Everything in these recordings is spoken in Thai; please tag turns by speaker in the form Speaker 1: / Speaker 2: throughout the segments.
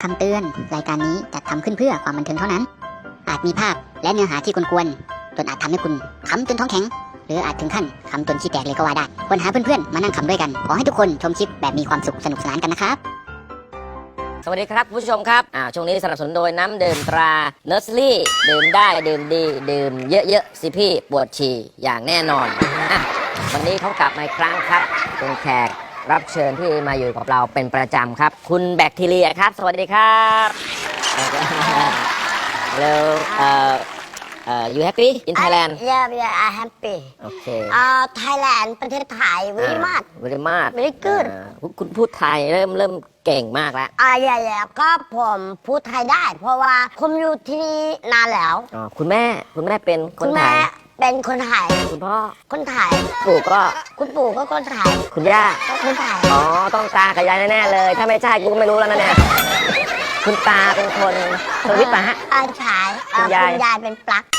Speaker 1: คำเตือนรายการนี้จัดทำขึ้นเพื่อความบันเทิงเท่านั้น อาจมีภาพและเนื้อหาที่กวนๆจนอาจทำให้คุณขำจนท้องแข็งหรืออาจถึงขั้นขำจนขี้แตกเลยก็ว่าได้ควรหาเพื่อนๆมานั่งขำด้วยกันขอให้ทุกคนชมคลิปแบบมีความสุขสนุกสนานกันนะครับ
Speaker 2: สวัสดีครับผู้ชมครับช่วงนี้สนับสนุนโดยน้ำดื่มตราเนอร์สรี่ดื่มได้ดื่มดีดื่มเยอะๆสิพี่ปวดฉี่อย่างแน่นอนวันนี้เขากลับมาอีกครั้งครับเป็นแขกรับเชิญที่มาอยู่กับเราเป็นประจำครับคุณแบคทีเรียครับสวัสดีครับแล้วyou happy in Thailand
Speaker 3: Yeah, I'm happy.
Speaker 2: Okay.
Speaker 3: Thailand ประเทศไทย very much.
Speaker 2: very much.
Speaker 3: Very good.
Speaker 2: คุณพูดไทยเริ่มเก่งมากแล้ว
Speaker 3: yeah, ก็ผมพูดไทยได้ เพราะว่าผมอยู่ที่นี่นานแล้ว
Speaker 2: คุณแม่เป็นคนไทย
Speaker 3: เป็นคนไทย
Speaker 2: คุณพ่อ
Speaker 3: คนไทย
Speaker 2: คุณปู่ก็
Speaker 3: คนไทย
Speaker 2: คุณย่า
Speaker 3: ก็คนไทย
Speaker 2: ต้องตากับยายแน่ๆเลยถ้าไม่ใช่กูก็ไม่รู้แล้วนะเนี่ยคุณตาเป็นคนสวิตป่ะฮะ
Speaker 3: ใช่คุณยายเป็นปลั๊ก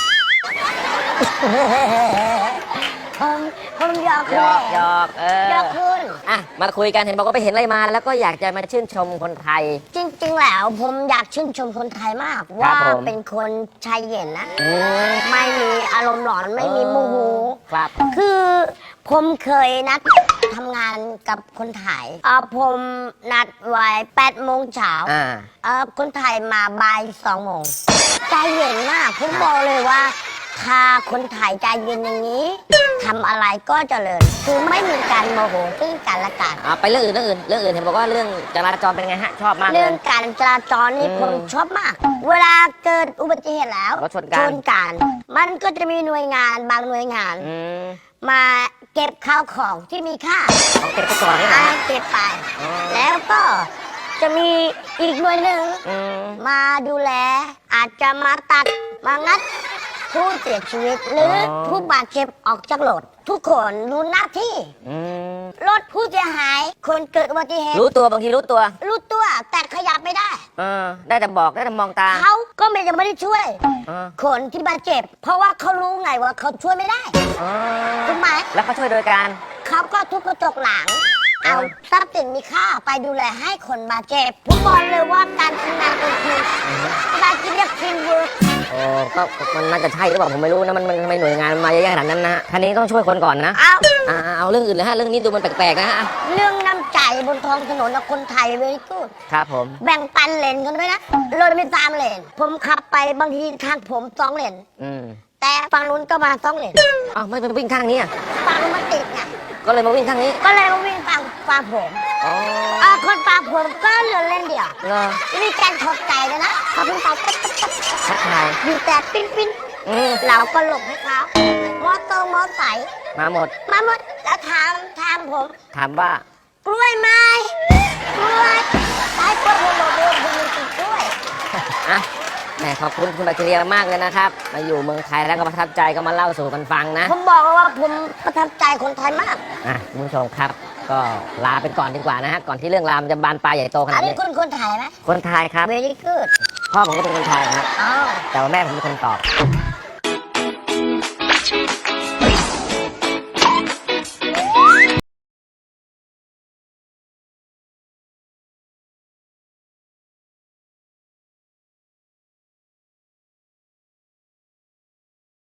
Speaker 3: ผมหยอกคุณ
Speaker 2: มาคุยกันเห็นบอกว่าไปเห็นอะไรมาแล้วก็อยากจะมาชื่นชมคนไทย
Speaker 3: จริงๆแล้วผมอยากชื่นชมคนไทยมากว่าเป็นคนใจเย็นนะไม่มีอารมณ์ร้อนไม่มีโมโห
Speaker 2: ครับ
Speaker 3: คือผมเคยนัดทำงานกับคนไทยผมนัดไว้8 โมงเช้าคนไทยมาบ่าย2 โมงใจเย็นมากผมบอกเลยว่าถ้าคนไทยใจเย็นอย่างนี้ทำอะไรก็เจริญคือไม่มีการโมโหซึ่งกันและกัน
Speaker 2: ไปเรื่องอื่นเห็นบอกว่าเรื่องจราจรเป็นไงฮะชอบมาก
Speaker 3: เรื่องการจราจรนี่ผมชอบมากเวลาเกิดอุบัติเหตุแล้ว
Speaker 2: ชน
Speaker 3: กันมันก็จะมีหน่วยงานบางหน่วยงานมาเก็บข้าวของที่มีค่า
Speaker 2: เก็บไปก่อน
Speaker 3: เก็บไปแล้วก็จะมีอีกหน่วยหนึ่งมาดูแลอาจจะมาตัดมางัดผู้เสียชีวิตหรือผู้บาดเจ็บออกจากรถทุกคนรู้หน้าที่รถผู้เสียหายคนเกิดอุบัติเหตุ
Speaker 2: รู้ตัวบางทีรู้ตัว
Speaker 3: แต่ขยับไม่ได้
Speaker 2: ได้แต่บอกได้แต่มองตา
Speaker 3: เขาก็ยังไม่ได้ช่วยคนที่บาดเจ็บเพราะว่าเขารู้ไงว่าเขาช่วยไม่ได้ถูกไหม
Speaker 2: แล้วเขาช่วยโดยการ
Speaker 3: เขาก็ทุบกระจกหลังเอาทรัพย์สินมีค่าไปดูแลให้คนบาดเจ็บผมบอกเลยว่าการทำงานเป็นทีมการกินเรียกทีมเวิร์ก
Speaker 2: ก็มันน่าจะใช่หรือเปล่าผมไม่รู้นะมันไม่หน่วยงานมาเยอะขนาดนั้นนะท่านนี้ต้องช่วยคนก่อนนะเอาเรื่องอื่นเลยฮะเรื่องนี้ดูมันแปลกๆนะฮะ
Speaker 3: เรื่องน้ำใจบนท้องถนนกับคนไทยเวรี่กูด
Speaker 2: ครับผม
Speaker 3: แบ่งปันเลนกันด้วยนะรถไม่3 เลนผมขับไปบางทีทางผม2 เลนแต่ฝั่งนู้นก็มา2 เลน
Speaker 2: ไม่ไปวิ่งข้างนี้
Speaker 3: ฝั่งนู้นมันติดไง
Speaker 2: ก็เลยมาวิ่งข้างนี้
Speaker 3: ก็เลยมาวิ่งฝั่งผมคนฝั่งผมก็เหลือเลนเดียวมีการถกใจเลยนะเขาเพิ่งไป
Speaker 2: ทักทาย
Speaker 3: อยู่แต่ปิ้นเราก็หลบให้เขามอไซค์
Speaker 2: มาหมด
Speaker 3: แล้วถามผม
Speaker 2: ถามว่าก
Speaker 3: ล้วยไหมกล้วยได้กล้วยผมบอกว่าผมมีกล้วย
Speaker 2: แหมขอบคุณคุณแบคทีเรียมากเลยนะครับมาอยู่เมืองไทยแล้วก็ประทับใจก็มาเล่าสู่กันฟังนะ
Speaker 3: ผมบอกว่าผมประทับใจคนไทยมาก
Speaker 2: คุณผู้ชมครับก็ลาไปก่อนดีกว่านะฮะก่อนที่เรื่องราวมันจะบานปลายใหญ่โตขนาดนี้
Speaker 3: อันนี้คนไทยไหม
Speaker 2: คนไทยครับ
Speaker 3: very good
Speaker 2: พ่อผมก็เป็นคนไทยครับแต่ว่าแม่ผมเป็นคนตอบ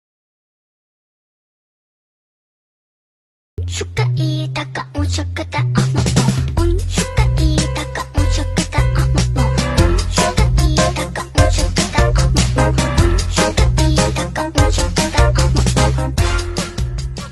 Speaker 4: ชุกกะอีตะกะอุชุกกะตะ